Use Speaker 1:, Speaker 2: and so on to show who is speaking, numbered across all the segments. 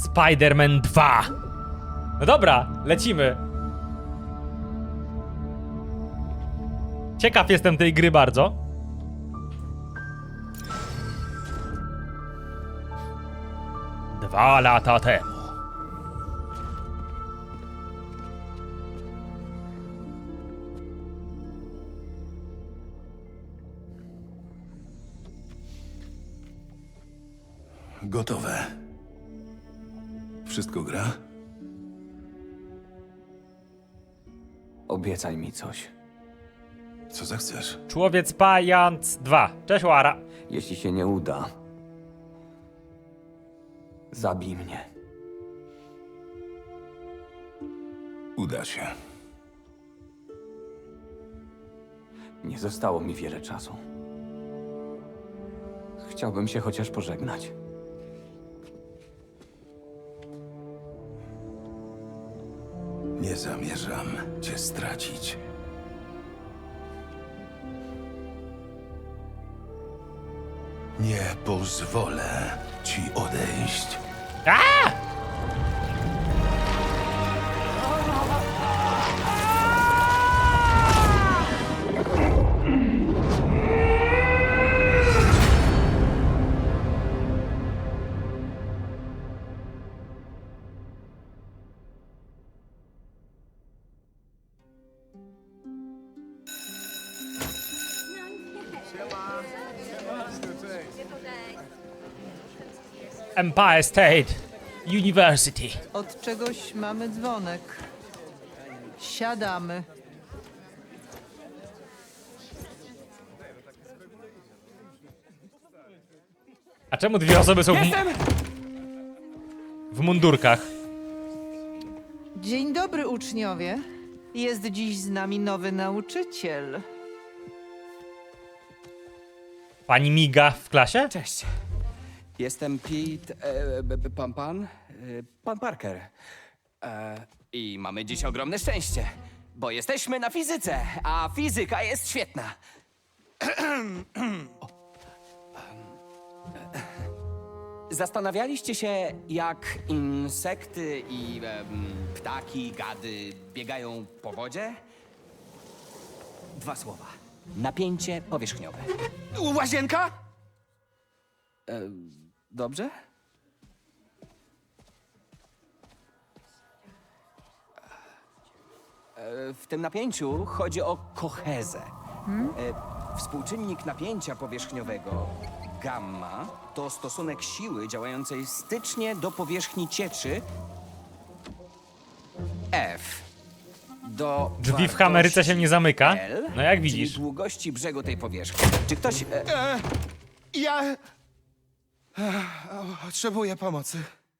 Speaker 1: Spider-Man 2. No dobra, lecimy. Ciekaw jestem tej gry bardzo. Dwa lata temu.
Speaker 2: Gotowe. Wszystko gra?
Speaker 3: Obiecaj mi coś.
Speaker 2: Co zechcesz?
Speaker 1: Człowiec Pając 2. Cześć Łara.
Speaker 3: Jeśli się nie uda, zabij mnie.
Speaker 2: Uda się.
Speaker 3: Nie zostało mi wiele czasu. Chciałbym się chociaż pożegnać.
Speaker 2: Nie zamierzam cię stracić. Nie pozwolę ci odejść.
Speaker 1: A! Empire State University.
Speaker 4: Od czegoś mamy dzwonek. Siadamy.
Speaker 1: A czemu dwie osoby są w mundurkach?
Speaker 4: Dzień dobry, uczniowie. Jest dziś z nami nowy nauczyciel.
Speaker 1: Pani miga w klasie?
Speaker 5: Cześć. Jestem Pete, pan Parker. I mamy dziś ogromne szczęście, bo jesteśmy na fizyce, a fizyka jest świetna. Zastanawialiście się, jak insekty i ptaki, gady biegają po wodzie? Dwa słowa. Napięcie powierzchniowe. Łazienka? Dobrze? W tym napięciu chodzi o kohezę. Współczynnik napięcia powierzchniowego gamma to stosunek siły działającej stycznie do powierzchni cieczy F do
Speaker 1: Drzwi w Ameryce się nie zamyka?
Speaker 5: L,
Speaker 1: No jak
Speaker 5: czyli
Speaker 1: widzisz.
Speaker 5: długości brzegu tej powierzchni. Czy ktoś...
Speaker 6: Ja potrzebuję pomocy.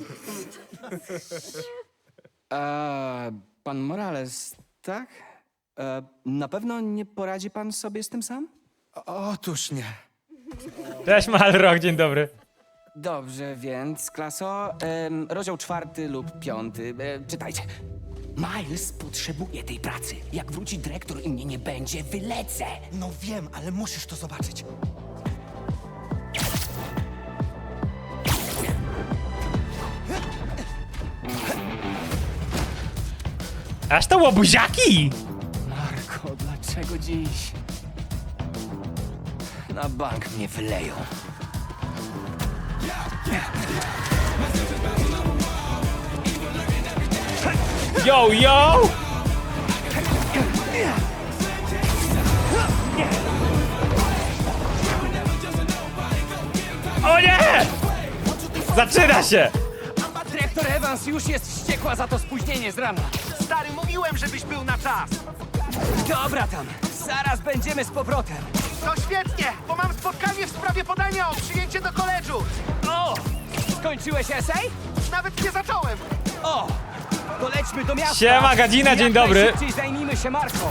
Speaker 5: Pan Morales, tak? Na pewno nie poradzi pan sobie z tym sam?
Speaker 6: Otóż nie.
Speaker 1: Cześć Malrock, dzień dobry.
Speaker 5: Dobrze, więc klaso, rozdział 4 lub 5. Czytajcie. Miles potrzebuje tej pracy. Jak wróci dyrektor i mnie nie będzie, wylecę.
Speaker 6: No wiem, ale musisz to zobaczyć.
Speaker 1: Aż to łobuziaki!
Speaker 5: Marko, dlaczego dziś? Na bank mnie wyleją.
Speaker 1: Yo, yo! O nie! Zaczyna się!
Speaker 5: Dyrektor Evans już jest wściekła za to spóźnienie z rana.
Speaker 7: Stary, mówiłem, żebyś był na czas!
Speaker 5: Dobra tam, zaraz będziemy z powrotem.
Speaker 7: To świetnie, bo mam spotkanie w sprawie podania o przyjęcie do koledżu!
Speaker 5: O! Skończyłeś esej?
Speaker 7: Nawet nie zacząłem!
Speaker 5: O! To lećmy do miasta.
Speaker 1: Siema, Gadzina, dzień
Speaker 5: Jak
Speaker 1: dobry.
Speaker 5: najszybciej zajmijmy się Marką.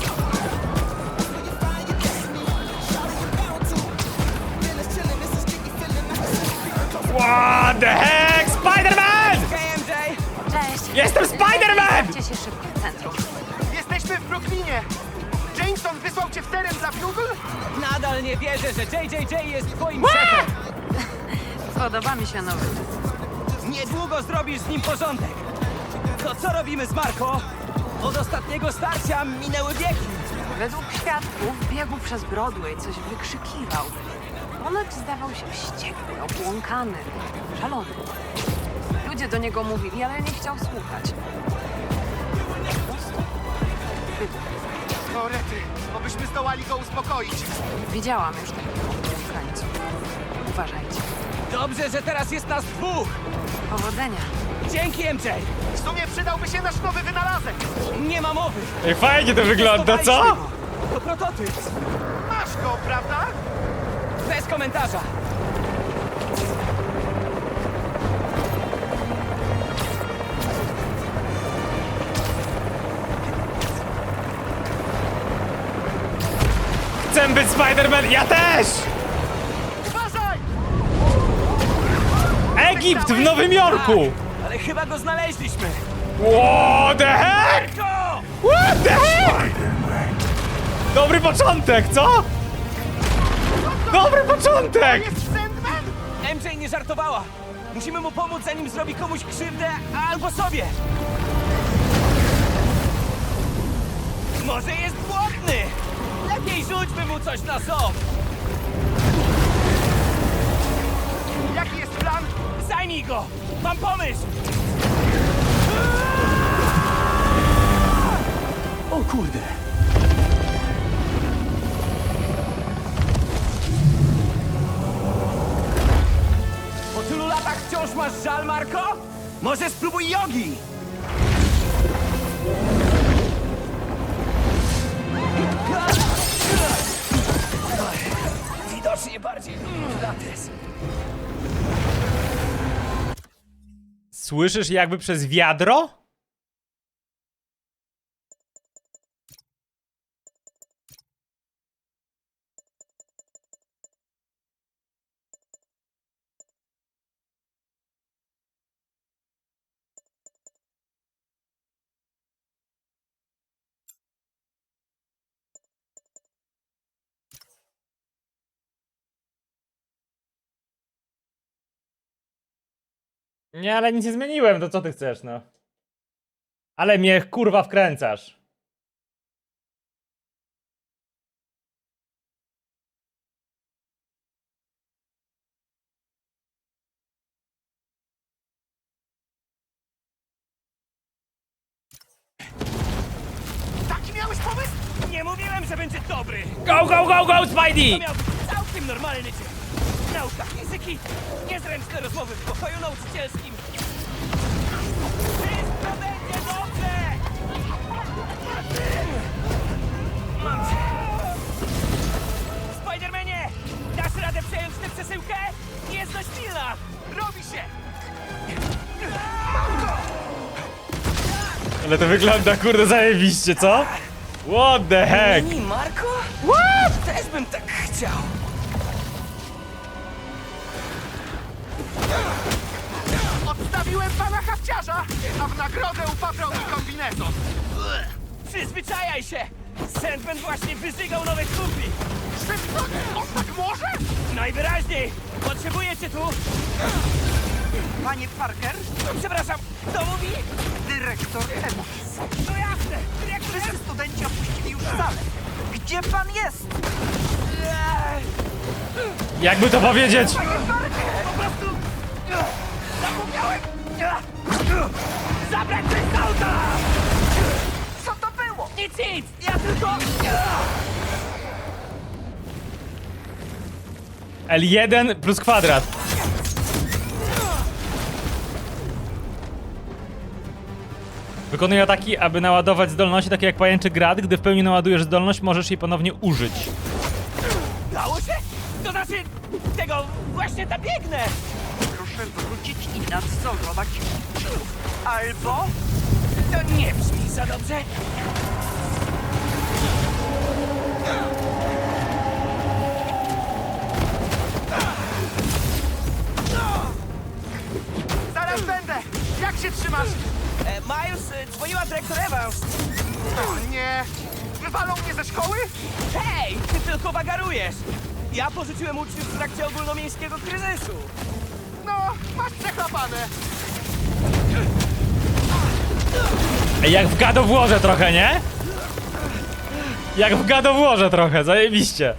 Speaker 1: What the heck? Spider-Man!
Speaker 5: Hej, MJ!
Speaker 8: Cześć.
Speaker 1: Jestem Spider-Man!
Speaker 8: Cię się szybko w centrum.
Speaker 7: Jesteśmy w Brooklynie! Jameson wysłał cię w teren dla Bugle?
Speaker 5: Nadal nie wierzę, że JJJ jest twoim szefem.
Speaker 8: Podoba mi się nowy.
Speaker 5: Niedługo zrobisz z nim porządek. To co robimy z Marco? Od ostatniego starcia minęły wieki.
Speaker 8: Według świadków biegł przez Broadway, coś wykrzykiwał. Ponoć zdawał się wściekły, obłąkany, szalony. Ludzie do niego mówili, ale nie chciał słuchać. Po prostu wybuchł.
Speaker 7: O rety, obyśmy zdołali go uspokoić.
Speaker 8: Widziałam już takich obłąkańców. Uważajcie.
Speaker 5: Dobrze, że teraz jest nas dwóch.
Speaker 8: Powodzenia.
Speaker 5: Dzięki, MJ.
Speaker 7: W sumie przydałby się nasz nowy wynalazek.
Speaker 5: Nie ma mowy.
Speaker 1: Ej, fajnie to wygląda, co?
Speaker 5: Testowaliśmy go. To prototyp.
Speaker 7: Masz go, prawda?
Speaker 5: Bez komentarza.
Speaker 1: Chcę być Spider-Man, ja też!
Speaker 7: Uważaj!
Speaker 1: Egipt w Nowym Jorku!
Speaker 5: Ale chyba go znaleźliśmy.
Speaker 1: What the heck?
Speaker 5: Go!
Speaker 1: What the heck? Dobry początek, co? Dobry początek!
Speaker 7: Jest Sandman?
Speaker 5: MJ nie żartowała. Musimy mu pomóc, zanim zrobi komuś krzywdę albo sobie. Może jest głodny. Lepiej rzućmy mu coś na ząb.
Speaker 7: Jaki jest plan?
Speaker 5: Zajmij go. Mam pomysł. O kurde. Po tylu latach wciąż masz żal, Marco? Może spróbuj jogi. Widocznie bardziej pilates.
Speaker 1: Słyszysz jakby przez wiadro? Nie, ale nic nie zmieniłem, to co ty chcesz, no? Ale mnie kurwa wkręcasz.
Speaker 7: Taki miałeś pomysł?
Speaker 5: Nie mówiłem, że będzie dobry.
Speaker 1: Go, go, go, go,
Speaker 5: To
Speaker 1: Spidey!
Speaker 5: miał być całkiem normalny dzień. Nauka fizyki, niezręczne rozmowy w pokoju nauczycielskim. Wszystko będzie dobrze! Mam cię. Spidermanie, dasz radę przejąć tę przesyłkę? Jest dość pilna.
Speaker 7: Robi się!
Speaker 1: Ale to wygląda kurde zajebiście, co? What the heck?
Speaker 5: Mini Marco? What? Też bym tak chciał.
Speaker 7: Odstawiłem pana hafciarza, a w nagrodę upatrał mi kombinezon.
Speaker 5: Przyzwyczajaj się! Sandman właśnie wyżygał nowe kumpli.
Speaker 7: Szybko! On tak może?
Speaker 5: Najwyraźniej! Potrzebuję cię tu!
Speaker 4: Panie Parker,
Speaker 5: Przepraszam, kto mówi?
Speaker 4: dyrektor Evans.
Speaker 5: No jasne! Dyrektor
Speaker 4: Wszyscy studenci opuścili już salę. Gdzie pan jest?
Speaker 1: Jakby to powiedzieć?
Speaker 5: Po prostu... Zapomniałem! Zabrać coś z auta!
Speaker 4: Co to było?
Speaker 5: Nic! Ja tylko...
Speaker 1: L1 plus kwadrat. Wykonuje ataki, aby naładować zdolności, takie jak pajęczy grad. Gdy w pełni naładujesz zdolność, możesz jej ponownie użyć.
Speaker 5: Dało się? To znaczy... Tego... Właśnie tam biegnę!
Speaker 4: Proszę wrócić i nadzorować uczniów. Albo
Speaker 5: To nie brzmi za dobrze.
Speaker 7: Zaraz będę! Jak się trzymasz?
Speaker 5: Miles, dzwoniła dyrektor Evans.
Speaker 7: O nie! Wywalą mnie ze szkoły?
Speaker 5: Hej, ty tylko wagarujesz. Ja pożyczyłem uczniów w trakcie ogólnomiejskiego kryzysu.
Speaker 7: No, masz przechlapane.
Speaker 1: Ej, jak w God of Warze trochę, nie? Jak w God of Warze trochę, zajebiście.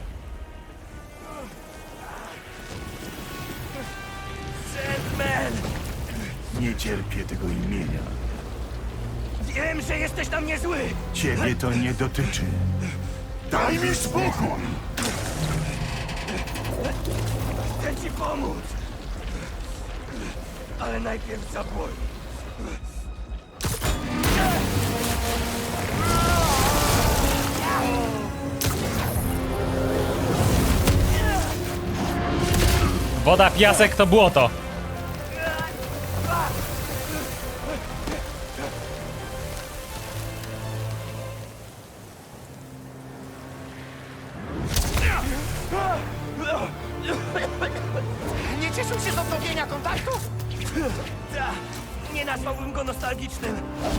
Speaker 2: Nie cierpię tego imienia.
Speaker 7: Wiem, że jesteś na mnie zły.
Speaker 2: Ciebie to nie dotyczy. Daj mi spokój!
Speaker 7: Chcę ci pomóc. Ale najpierw zaboli.
Speaker 1: Woda, piasek to błoto.
Speaker 7: Nie cieszył się z odnowienia kontaktu? Nie nazwałbym go nostalgicznym.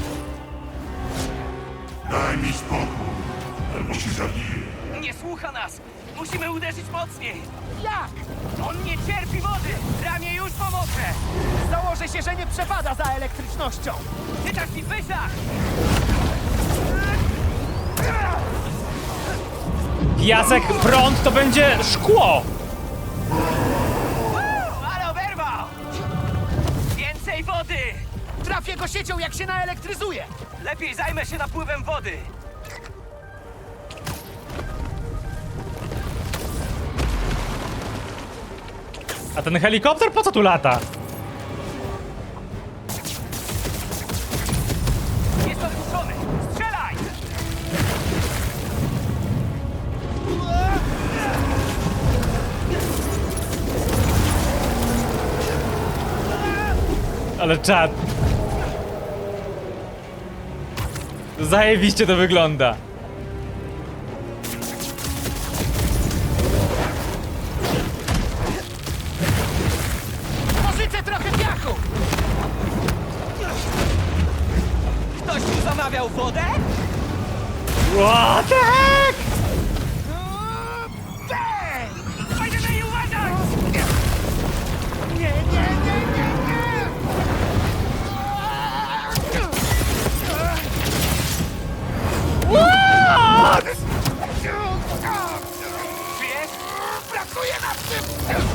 Speaker 2: Daj mi spokój, albo się zabiję.
Speaker 7: Nie słucha nas. Musimy uderzyć mocniej. Jak? On nie cierpi wody. Ramię już pomoże. Założę się, że nie przepada za elektrycznością. Ty tak mi wyszach.
Speaker 1: Piasek, prąd to będzie szkło.
Speaker 7: Ale oberwał. Więcej wody. Trafię go siecią, jak się naelektryzuje. Lepiej zajmę się napływem wody.
Speaker 1: A ten helikopter po co tu lata?
Speaker 7: Jest odpuszczony. Strzelaj!
Speaker 1: Ale czad. Zajebiście to wygląda.
Speaker 7: Pożyczę trochę piachu. Ktoś tu zamawiał wodę?
Speaker 1: What the heck?
Speaker 7: Będziemy jej uważać! Nie, nie, nie, nie, nie!
Speaker 1: What?
Speaker 7: Wiesz? Pracuję nad tym!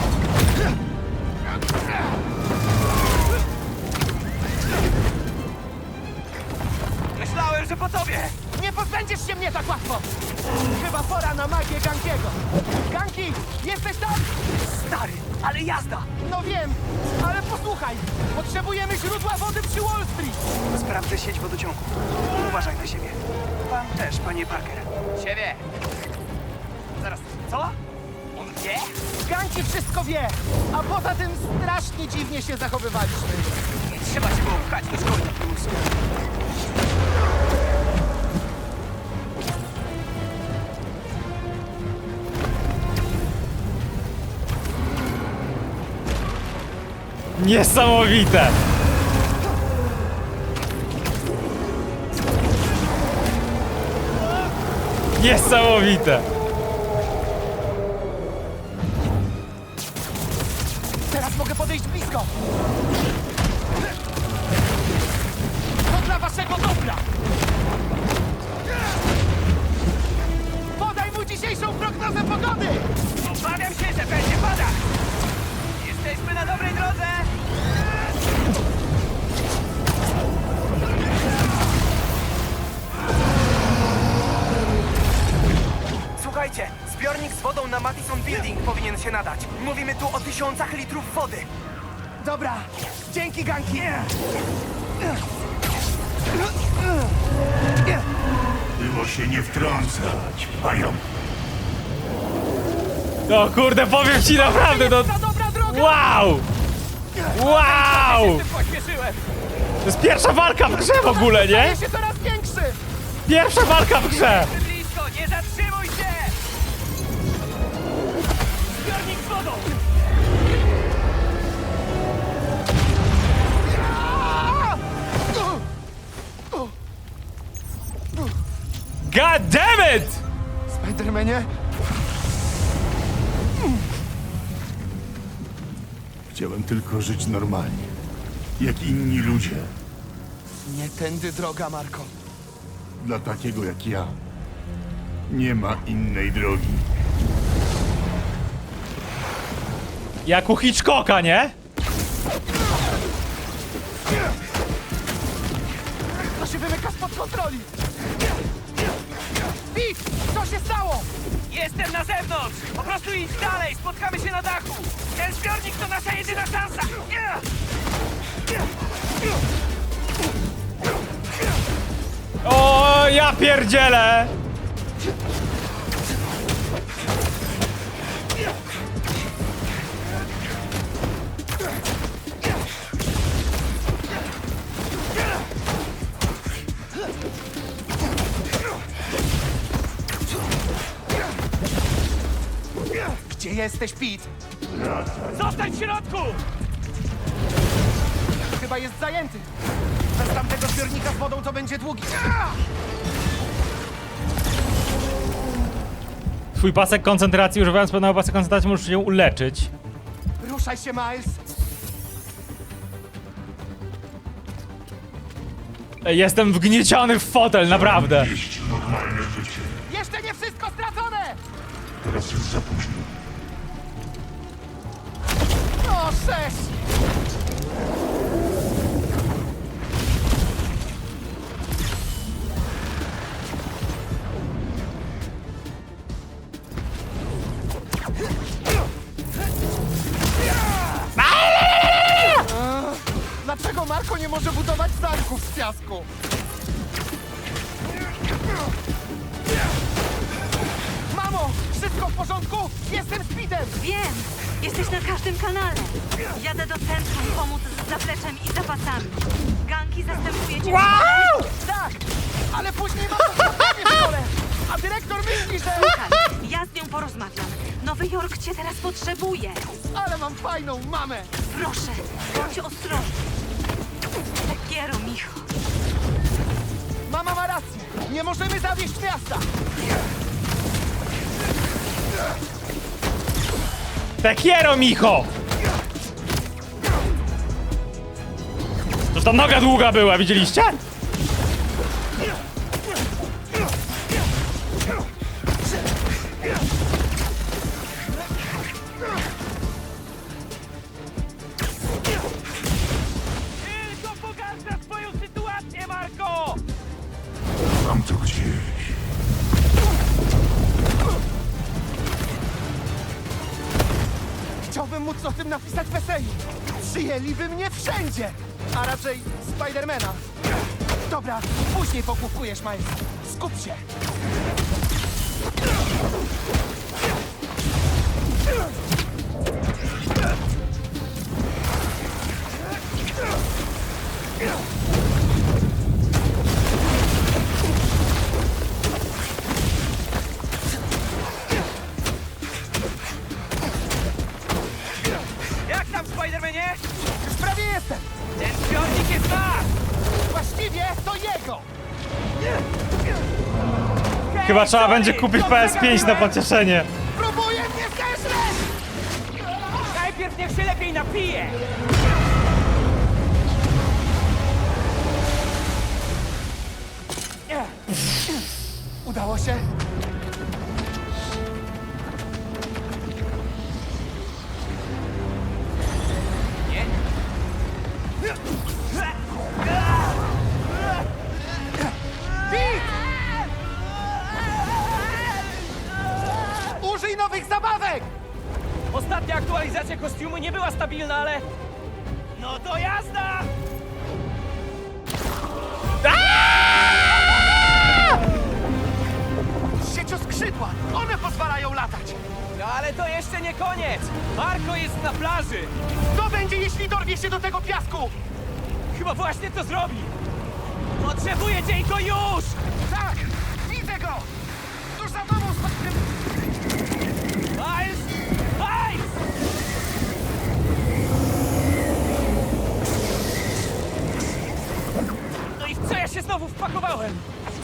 Speaker 7: Myślałem, że po tobie! Nie pozbędziesz się mnie tak łatwo! Chyba pora na magię Gankiego. Ganki, jesteś tam? Stary, ale jazda! No wiem, ale posłuchaj! Potrzebujemy źródła wody przy Wall Street! Sprawdzę sieć wodociągu. Uważaj na siebie. Pan też, panie Parker. Siebie! Zaraz, co? On wie? Ganki wszystko wie! A poza tym strasznie dziwnie się zachowywaliśmy. Nie trzeba się było pchać do szkoły na prymusu.
Speaker 1: Niesamowite! Niesamowite!
Speaker 7: Teraz mogę podejść blisko! To dla waszego dobra! Podaj mu dzisiejszą prognozę pogody! Obawiam się, że będzie padać! Jesteśmy na dobrej drodze! Słuchajcie, zbiornik z wodą na Madison Building powinien się nadać. Mówimy tu o 1000 litrów wody. Dobra, dzięki Ganki.
Speaker 2: Było się nie wtrącać, pająk.
Speaker 1: No kurde, powiem ci naprawdę, no...
Speaker 7: Ta dobra droga!
Speaker 1: Wow! Wow!
Speaker 7: Pośpieszyłem!
Speaker 1: To jest pierwsza walka w grze w ogóle, nie?
Speaker 7: Staje się coraz większy!
Speaker 1: Pierwsza walka w grze!
Speaker 7: Blisko, nie zatrzymuj się! Zbiornik z wodą!
Speaker 1: God damn it!
Speaker 6: Spidermanie?
Speaker 2: Chciałem tylko żyć normalnie, jak inni ludzie.
Speaker 6: Nie tędy droga, Marko.
Speaker 2: Dla takiego jak ja nie ma innej drogi.
Speaker 1: Jak u Hitchcocka, nie?
Speaker 7: To się wymyka spod kontroli! Pete! Co się stało? Jestem na zewnątrz! Po prostu idź dalej! Spotkamy się na dachu! Ten zbiornik to nasza jedyna szansa!
Speaker 1: O, ja pierdzielę!
Speaker 6: Gdzie jesteś, Pete?
Speaker 7: Zostań w środku!
Speaker 6: Chyba jest zajęty. Bez tamtego zbiornika z wodą to będzie długi.
Speaker 1: Twój pasek koncentracji, używając pewnego pasek koncentracji, możesz się uleczyć.
Speaker 6: Ruszaj się, Miles.
Speaker 1: Ej, jestem wgnieciony w fotel, naprawdę.
Speaker 7: Jeszcze nie wszystko stracone!
Speaker 2: Teraz już za późno.
Speaker 7: O, 6!
Speaker 6: Dlaczego Marko nie może budować zamków z piasku?
Speaker 7: Mamo! Wszystko w porządku? Jestem z Petem!
Speaker 9: Wiem! Jesteś na każdym kanale. Jadę do centrum pomóc z zapleczem i zapasami. Ganki zastępuje cię.
Speaker 7: Tak! Ale później mam spotkanie w szkole! A dyrektor myśli, że...
Speaker 9: Słuchaj, ja z nią porozmawiam. Nowy Jork cię teraz potrzebuje.
Speaker 7: Ale mam fajną mamę!
Speaker 9: Proszę, bądź ostrożny. Tekiero, Micho.
Speaker 7: Mama ma rację! Nie możemy zawieść miasta!
Speaker 1: Tekiero, Micho! Toż ta noga długa była, widzieliście?
Speaker 7: Tylko pogarsza swoją sytuację, Marko!
Speaker 2: Mam to gdzieś.
Speaker 7: Chciałbym móc o tym napisać w eseju. Przyjęliby mnie wszędzie! A raczej Spidermana. Dobra, później pokłupkujesz, Miles. Skup się! Jak tam, Spidermanie? Już prawie jestem! Ten zbiornik jest nasz! Właściwie to jego!
Speaker 1: Chyba trzeba będzie kupić PS5 na pocieszenie.
Speaker 7: Próbuję mnie zeżreć! Najpierw niech się lepiej napije! Udało się? Nie. Użyj nowych zabawek! Ostatnia aktualizacja kostiumu nie była stabilna, ale... No to jazda! Siecioskrzydła! One pozwalają latać! No ale to jeszcze nie koniec! Marko jest na plaży! Co będzie, jeśli dorwie się do tego piasku? Chyba właśnie to zrobi! Potrzebuję cię i to już! Tak! Widzę go! Tuż za tobą, Miles! Miles! No i w co ja się znowu wpakowałem?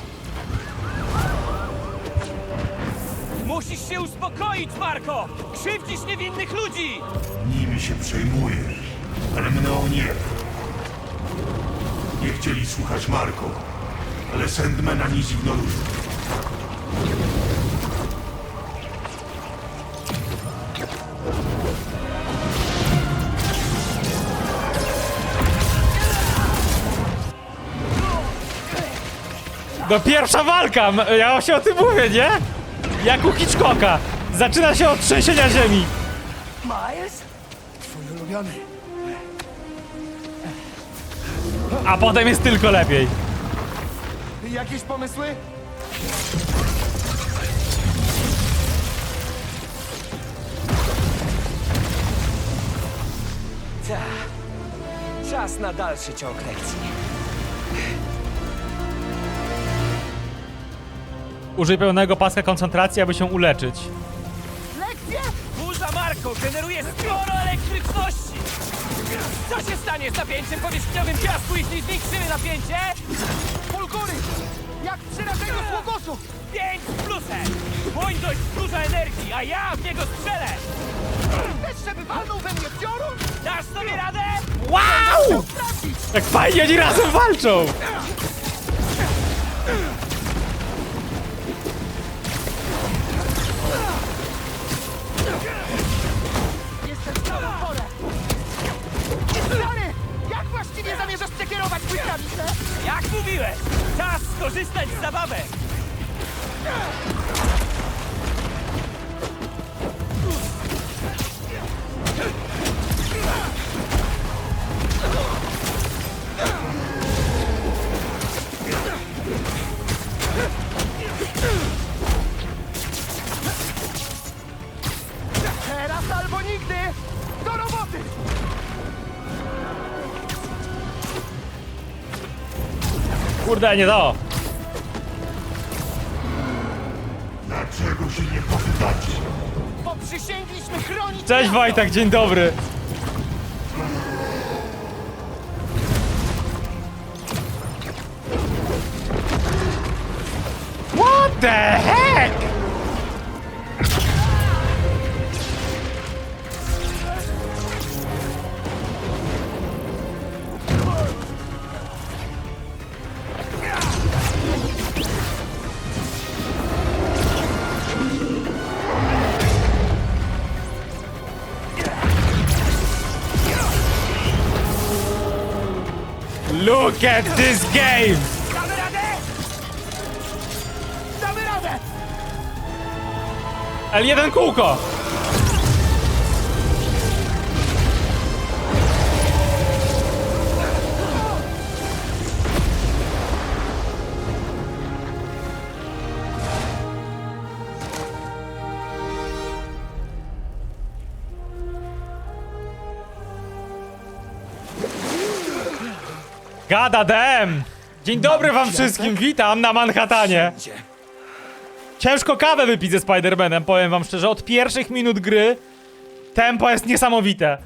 Speaker 7: Musisz się uspokoić, Marko! Krzywdzisz niewinnych ludzi!
Speaker 2: Nimi się przejmujesz, ale mną nie. nie chcieli słuchać Marko, ale Sandmana nie zignorują.
Speaker 1: No pierwsza walka! Ja właśnie o tym mówię, nie? Jak u Hitchcocka. Zaczyna się od trzęsienia ziemi.
Speaker 7: Miles? Twój ulubiony.
Speaker 1: A potem jest tylko lepiej.
Speaker 7: Jakieś pomysły?
Speaker 5: Czas na dalszy ciąg lekcji.
Speaker 1: Użyj pełnego paska koncentracji, aby się uleczyć.
Speaker 7: Lekcje?
Speaker 6: Burza Marko generuje sporo elektryczności! Co się stanie z napięciem powierzchniowym piasku, jeśli zwiększymy napięcie?
Speaker 7: Fulgury! Jak przy rażeniu sługusów!
Speaker 6: 5 z plusem! Błoń dość dużo energii, a ja w niego strzelę!
Speaker 7: Chcesz, żeby walnął we mnie piorun?
Speaker 6: Dasz sobie radę?
Speaker 1: Wow!
Speaker 7: Trafić!
Speaker 1: Jak fajnie oni razem walczą!
Speaker 7: Jestem w samą porę! Stary! Jak właściwie zamierzasz przekierować błyskawicę?
Speaker 6: Jak mówiłeś, czas skorzystać z zabawek!
Speaker 7: Teraz albo nigdy! Do roboty!
Speaker 1: Kurde, nie to!
Speaker 2: Dlaczego się nie poddać?
Speaker 7: Bo przysięgliśmy chronić...
Speaker 1: Cześć
Speaker 7: miasto!
Speaker 1: Wojtek, dzień dobry! What the heck? Look at this game!
Speaker 7: Damy radę! Damy radę!
Speaker 1: L1 kółko! Gada dem! Dzień dobry wam wszystkim, witam na Manhattanie! Ciężko kawę wypić ze Spider-Manem, powiem wam szczerze, od pierwszych minut gry tempo jest niesamowite.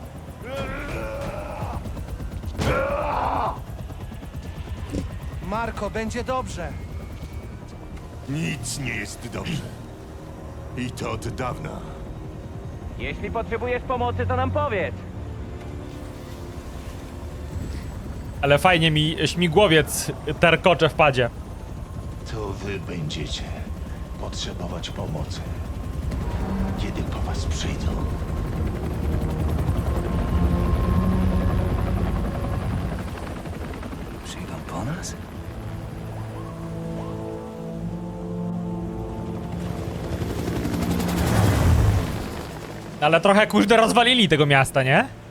Speaker 7: Marko, będzie dobrze.
Speaker 2: Nic nie jest dobrze. I to od dawna.
Speaker 6: Jeśli potrzebujesz pomocy, to nam powiedz.
Speaker 1: Ale fajnie mi śmigłowiec terkocze w padzie.
Speaker 10: To wy będziecie potrzebować pomocy, kiedy po was przyjdą.
Speaker 5: Przyjdą po nas?
Speaker 1: Ale trochę kurde rozwalili tego miasta, nie?